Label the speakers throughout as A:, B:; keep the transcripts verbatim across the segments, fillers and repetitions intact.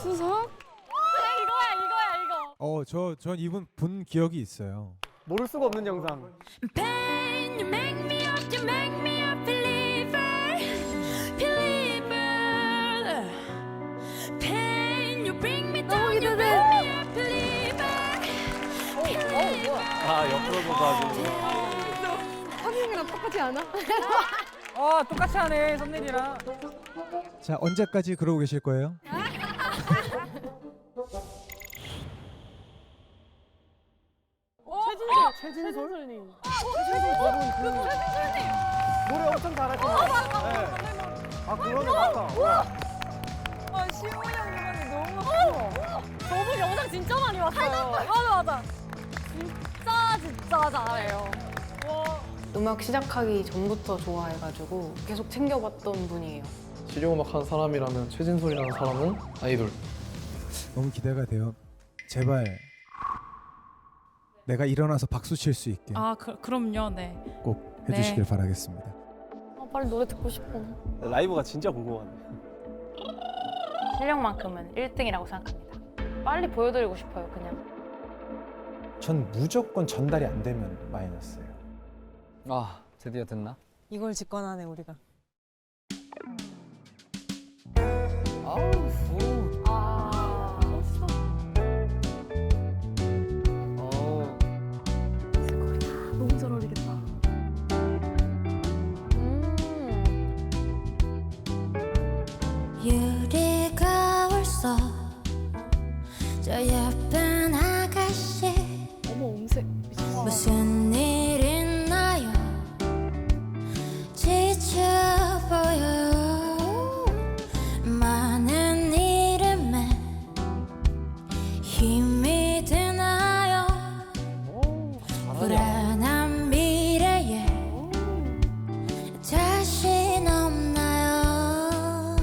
A: 수석?
B: 이거야 이거야 이거.
C: 어, 저, 전 이분 본 기억이 있어요.
D: 모를 수가 없는 영상.
B: Pain, you make me up, you make me a believer, believer. Pain, you bring me down, you make me a believer, believer.
D: 아 옆으로도 봐주고.
A: 하민이랑 똑같지 않아?
E: 어 똑같이 하네 썸네일이랑.
C: 자, 언제까지 그러고 계실 거예요?
D: 최진솔? 최진솔님. 최진솔 저분 그 노래 엄청 잘하시는. 네. 아 그러네 맞다.
B: 아 시호 형 이번에 너무 커. 저분 영상 진짜 많이 봤어요. 맞아 맞아. 진짜 진짜 잘해요.
A: 음악 시작하기 전부터 좋아해가지고 계속 챙겨봤던 분이에요.
F: 실용음악 하는 사람이라면 최진솔이라는 사람은 아이돌.
C: 너무 기대가 돼요. 제발 내가 일어나서 박수 칠 수 있게
B: 아 그, 그럼요 네.
C: 꼭 해주시길
B: 네.
C: 바라겠습니다.
B: 아, 빨리 노래 듣고 싶어.
D: 라이브가 진짜 궁금하네.
G: 실력만큼은 일 등이라고 생각합니다. 빨리 보여드리고 싶어요, 그냥.
H: 전 무조건 전달이 안 되면 마이너스예요.
E: 아 드디어 됐나?
I: 이걸 직관하네 우리가.
E: 아우 오.
B: 아 멋있어.
E: 어.
B: 너무 잘 어울리겠다.
J: 유리가 울써 저 예쁜 아가씨
A: 어머 음색.
J: 무슨 일 있나요? 지쳐 보여요. 많은 이름에 힘이 드나요? 불안한 미래에 자신 없나요?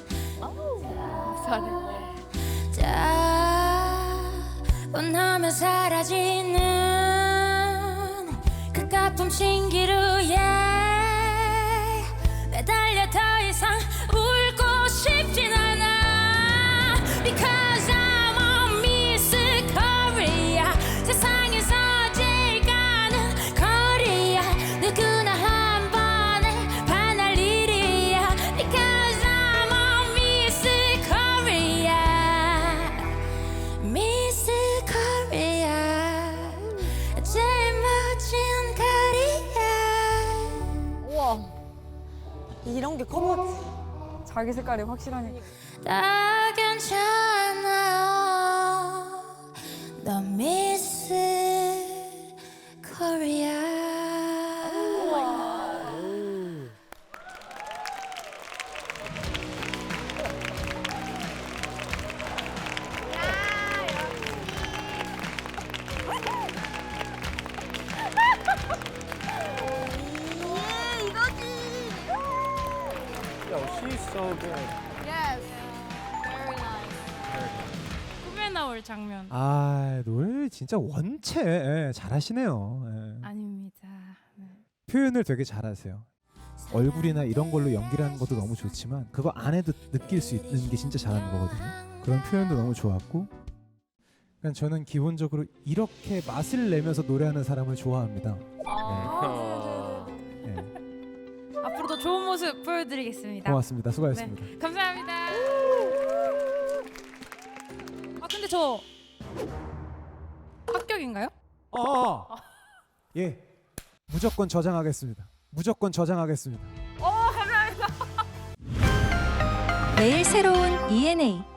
J: 자원하면 사라지는 그 가품 신기루에 매달려 더 이상 울고 싶진 않아. Because I'm a Miss Korea. 세상에서 제일 가는 거리야. 누구나 한 번에 반할 일이야. Because I'm a Miss Korea. Miss Korea. 제일 멋진 거리야.
B: 우와.
I: 이런 게 커버지. 자기 색깔이 확실하니까.
J: 다 괜찮아요. 너 미스 코리아.
D: 야, she's so good.
B: 꿈에 나올 장면.
C: 아, 노래 진짜 원체 예, 잘하시네요. 예.
B: 아닙니다. 네.
C: 표현을 되게 잘하세요. 얼굴이나 이런 걸로 연기를 하는 것도 너무 좋지만 그거 안에도 느낄 수 있는 게 진짜 잘하는 거거든요. 그런 표현도 너무 좋았고, 그러니까 저는 기본적으로 이렇게 맛을 내면서 노래하는 사람을 좋아합니다.
B: 아.
C: 네.
B: 앞으로도 좋은 모습 보여드리겠습니다.
C: 고맙습니다. 수고하셨습니다.
B: 네, 감사합니다. 아 근데 저 합격인가요?
C: 어, 예, 무조건 저장하겠습니다. 무조건 저장하겠습니다.
B: 어 감사합니다.
K: 매일 새로운 이엔에이